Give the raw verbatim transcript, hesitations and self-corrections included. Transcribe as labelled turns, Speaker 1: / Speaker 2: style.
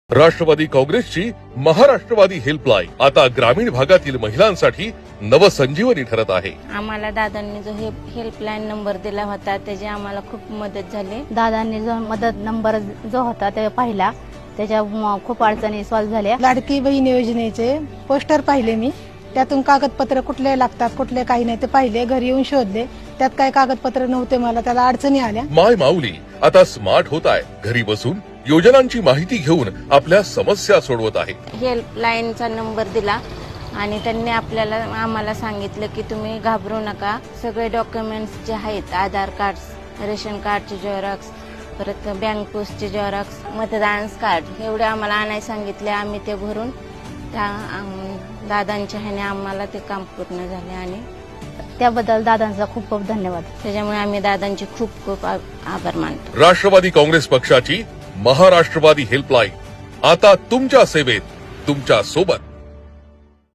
Speaker 1: राष्ट्रवादी काँग्रेसची महाराष्ट्रवादी हेल्पलाईन आता ग्रामीण भागातील महिलांसाठी नवसंजीवनी ठरत आहे।
Speaker 2: आम्हाला दादांनी जो हे हेल्पलाईन नंबर दिला होता त्याची आम्हाला खूप मदत झाली।
Speaker 3: दादांनी जो मदत नंबर जो होता ते पाहिला, त्याच्या खूप अडचणी सॉल्व्ह झाल्या।
Speaker 4: लाडकी बहीण योजनेचे पोस्टर पाहिले मी, त्यातून कागदपत्र कुठले लागतात कुठले काही नाही ते पाहिले, घरी येऊन शोधले, त्यात काही कागदपत्र नव्हते, मला त्याला अडचणी आल्या।
Speaker 1: माय माऊली आता स्मार्ट होत आहे, घरी बसून योजनांची माहिती घेऊन आपल्या समस्या सोडवत आहे।
Speaker 2: हेल्पलाईनचा नंबर दिला आणि त्यांनी आपल्याला आम्हाला सांगितलं की तुम्ही घाबरू नका, सगळे डॉक्युमेंट्स जे आहेत आधार कार्ड, रेशन कार्डचे झेरॉक्स, परत बँक पोस्टचे झेरॉक्स, मतदान कार्ड एवढे आम्हाला आणायला सांगितले। आम्ही ते भरून त्या दादांच्या ह्याने आम्हाला ते काम पूर्ण झाले आणि
Speaker 3: त्याबद्दल दादांचा खूप खूप धन्यवाद।
Speaker 2: त्याच्यामुळे आम्ही दादांचे खूप खूप आभार मानतो।
Speaker 1: राष्ट्रवादी काँग्रेस पक्षाची महाराष्ट्रवादी हेल्पलाईन आता तुमच्या सेवेत, तुमच्या सोबत।